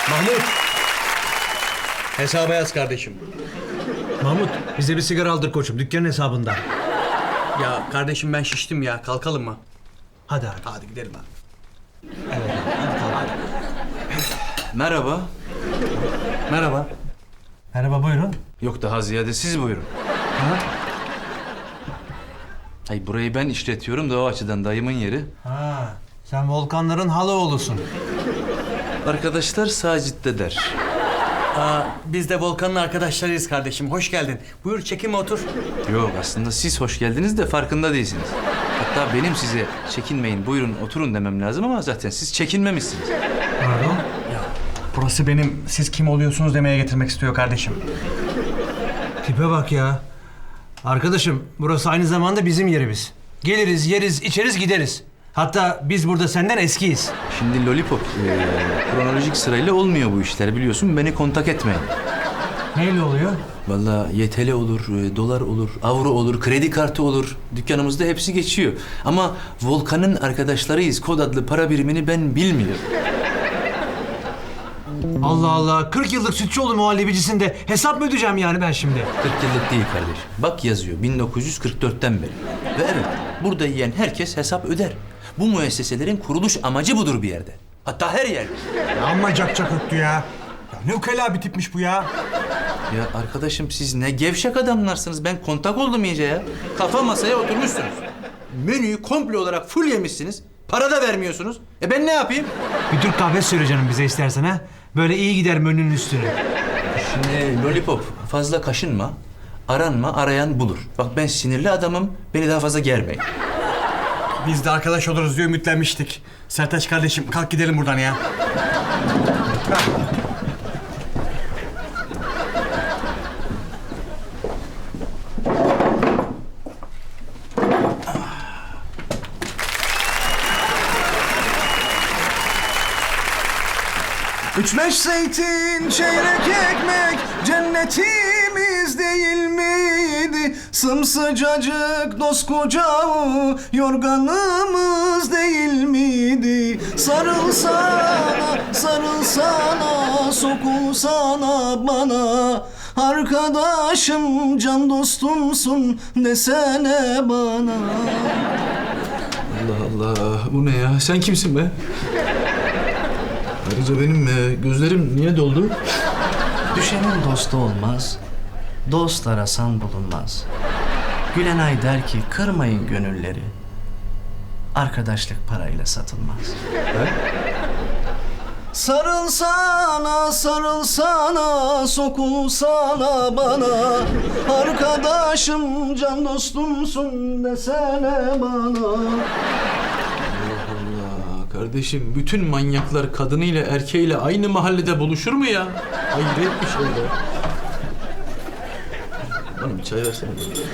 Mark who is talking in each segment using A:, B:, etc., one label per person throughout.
A: Mahmut. Hesaba yaz kardeşim.
B: Mahmut, bize bir sigara aldır koçum, dükkanın hesabında.
A: Ya kardeşim ben şiştim ya. Kalkalım mı?
B: Hadi abi.
A: Hadi gidelim abi.
C: Merhaba.
A: Merhaba.
B: Merhaba, buyurun.
C: Yok daha ziyade siz buyurun. Hayır burayı ben işletiyorum da o açıdan dayımın yeri.
B: Ha, sen Volkanların halaoğlusun.
C: Arkadaşlar Sacit'te der.
A: Biz de Volkan'ın arkadaşlarıyız kardeşim. Hoş geldin. Buyur çekinme otur.
C: Yok aslında siz hoş geldiniz de farkında değilsiniz. Hatta benim size çekinmeyin buyurun oturun demem lazım ama zaten siz çekinmemişsiniz.
B: Pardon?
A: Burası benim siz kim oluyorsunuz demeye getirmek istiyor kardeşim.
B: Tipe bak ya. Arkadaşım, burası aynı zamanda bizim yerimiz. Geliriz, yeriz, içeriz, gideriz. Hatta biz burada senden eskiyiz.
C: Şimdi Lollipop kronolojik sırayla olmuyor bu işler biliyorsun beni kontak etmeyin.
B: Neyle oluyor?
C: Vallahi YTL olur, dolar olur, avro olur, kredi kartı olur. Dükkanımızda hepsi geçiyor. Ama Volkan'ın arkadaşlarıyız. Kod adlı para birimini ben bilmiyorum.
B: Allah Allah, 40 yıllık Sütçüoğlu muhallebicisinde hesap mı ödeyeceğim yani ben şimdi?
C: 40 yıllık değil kardeşim. Bak yazıyor 1944'ten beri. Ve evet burada yiyen herkes hesap öder. Bu müesseselerin kuruluş amacı budur bir yerde. Hatta her yerde.
A: Amma cak öttü ya. Ya ne ukala bir tipmiş bu ya.
C: Ya arkadaşım siz ne gevşek adamlarsınız. Ben kontak oldum iyice ya. Kafa masaya oturmuşsunuz. Menüyü komple olarak full yemişsiniz. Para da vermiyorsunuz. Ben ne yapayım?
B: Bir Türk kahvesi söyle canım bize istersen ha. Böyle iyi gider menünün üstüne.
C: Şimdi Lollipop fazla kaşınma. Aranma, arayan bulur. Bak ben sinirli adamım. Beni daha fazla germeyin.
A: Biz de arkadaş oluruz diye ümitlenmiştik. Sertaç kardeşim kalk gidelim buradan ya.
D: Üç beş zeytin, çeyrek ekmek, cennetimiz değil miydi? Sımsıcacık koskoca yorganımız değil miydi? Sarılsana, sarılsana, sokulsana bana. Arkadaşım, can dostumsun desene bana.
C: Allah Allah. Bu ne ya? Sen kimsin be? Ayrıca benim gözlerim niye doldu?
D: Düşenin dostu olmaz, dost arasan bulunmaz. Gülenay der ki kırmayın gönülleri, arkadaşlık parayla satılmaz. Sarılsana, sarılsana, sokulsana bana. Arkadaşım, can dostumsun desene bana.
C: Kardeşim bütün manyaklar kadınıyla erkeğiyle aynı mahallede buluşur mu ya? Hayret bir şey be. Bana bir çay versene.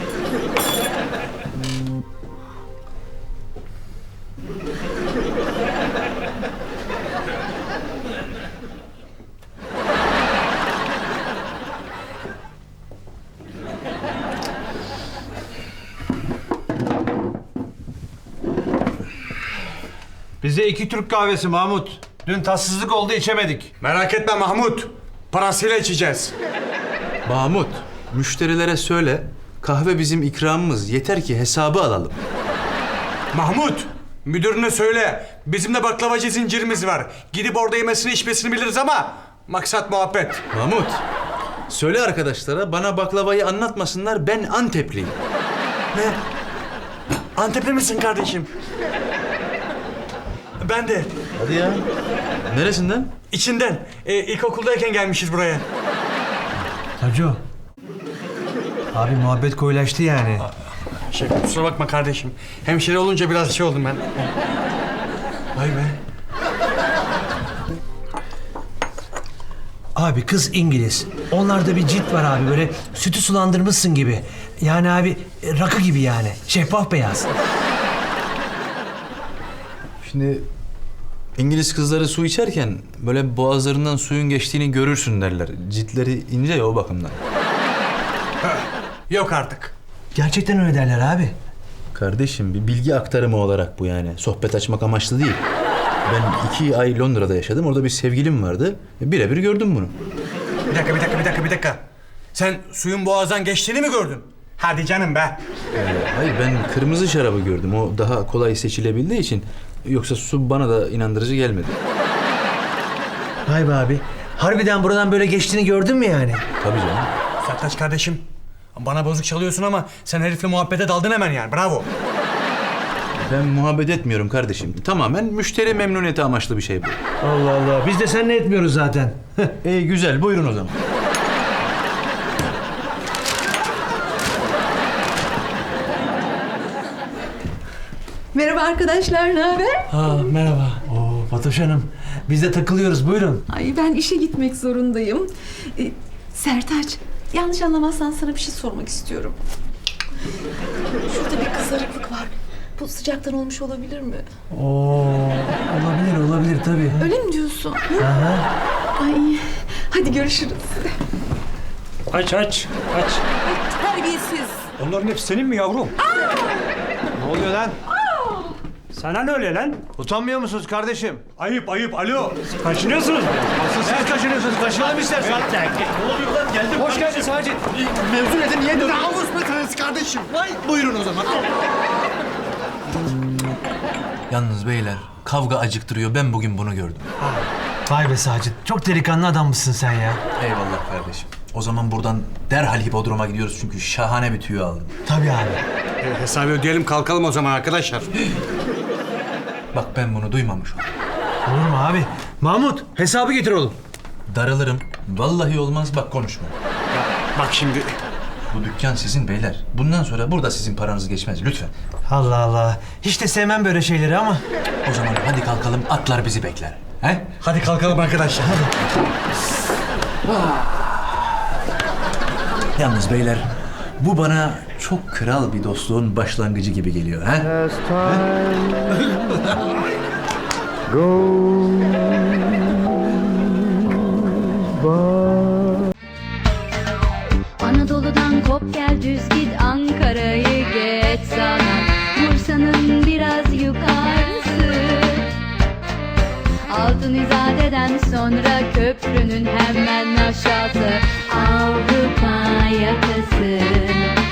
B: Bize 2 Türk kahvesi Mahmut. Dün tatsızlık oldu, içemedik.
A: Merak etme Mahmut. Parasıyla içeceğiz.
C: Mahmut, müşterilere söyle. Kahve bizim ikramımız. Yeter ki hesabı alalım.
A: Mahmut, müdürüne söyle. Bizim de baklavacı zincirimiz var. Gidip orada yemesini içmesini biliriz ama maksat muhabbet.
C: Mahmut, söyle arkadaşlara bana baklavayı anlatmasınlar. Ben Antepliyim.
A: Ne? Antepli misin kardeşim? Ben de.
C: Hadi ya. Neresinden?
A: İçinden. İlkokuldayken gelmişiz buraya.
B: Taco. Abi muhabbet koyulaştı yani.
A: Kusura bakma kardeşim. Hemşire olunca biraz şey oldum ben. Vay be.
B: Abi kız İngiliz. Onlarda bir cilt var abi, böyle sütü sulandırmışsın gibi. Yani abi rakı gibi yani. Şeffaf beyaz.
C: Şimdi İngiliz kızları su içerken böyle boğazlarından suyun geçtiğini görürsün derler. Ciltleri ince ya o bakımdan.
A: Yok artık.
B: Gerçekten öyle derler abi.
C: Kardeşim bir bilgi aktarımı olarak bu yani. Sohbet açmak amaçlı değil. Ben 2 ay Londra'da yaşadım. Orada bir sevgilim vardı. Birebir gördüm bunu.
A: Bir dakika. Sen suyun boğazdan geçtiğini mi gördün? Hadi canım be.
C: Hayır, ben kırmızı şarabı gördüm. O daha kolay seçilebildiği için. Yoksa su bana da inandırıcı gelmedi.
B: Vay be abi. Harbiden buradan böyle geçtiğini gördün mü yani?
C: Tabii canım.
A: Sertaç kardeşim. Bana bozuk çalıyorsun ama sen herifle muhabbete daldın hemen yani. Bravo.
C: Ben muhabbet etmiyorum kardeşim. Tamamen müşteri memnuniyeti amaçlı bir şey bu.
B: Allah Allah. Biz de seninle etmiyoruz zaten.
C: Güzel, buyurun o zaman.
E: Merhaba arkadaşlar, ne haber?
B: Merhaba. Oo, Fatoş Hanım. Biz de takılıyoruz. Buyurun.
E: Ay ben işe gitmek zorundayım. Sertaç, yanlış anlamazsan sana bir şey sormak istiyorum. Şurada bir kızarıklık var. Bu sıcaktan olmuş olabilir mi?
B: Olabilir tabii.
E: Öyle mi diyorsun?
B: Aha.
E: Ay, hadi görüşürüz.
F: Aç.
E: Terbiyesiz.
F: Onların hepsi senin mi yavrum?
B: Ne oluyor lan?
F: Sana ne öyle lan?
B: Utanmıyor musunuz kardeşim?
A: Ayıp. Alo.
F: Kaçınıyorsunuz mu?
B: Siz kaçınıyorsunuz. Kaçınalım istersen.
F: Hoş geldin Sacit.
D: Mevzu nedir? Niye dönüyorsun? Namus meselesi kardeşim. Vay. Buyurun o zaman.
C: Yalnız beyler, kavga acıktırıyor. Ben bugün bunu gördüm.
B: Vay be Sacit. Çok delikanlı adammışsın sen ya.
C: Eyvallah kardeşim. O zaman buradan derhal hipodroma gidiyoruz çünkü şahane bir tüyo aldım.
B: Tabii abi.
A: Hesabı ödeyelim kalkalım o zaman arkadaşlar.
C: Bak ben bunu duymamış oldum.
B: Olur mu abi? Mahmut hesabı getir oğlum.
C: Daralırım. Vallahi olmaz, bak konuşma.
A: Bak şimdi.
C: Bu dükkan sizin beyler. Bundan sonra burada sizin paranız geçmez lütfen.
B: Allah Allah. Hiç de sevmem böyle şeyleri ama.
C: O zaman hadi kalkalım, atlar bizi bekler. He?
A: Hadi kalkalım arkadaşlar.
C: Yalnız beyler, bu bana çok kral bir dostluğun başlangıcı gibi geliyor. He?
G: Anadolu'dan kop gel düz git Ankara'yı geç sana Bursa'nın biraz yukarısı Altın İzade'den sonra köprünün hemen aşağısı Avrupa yakası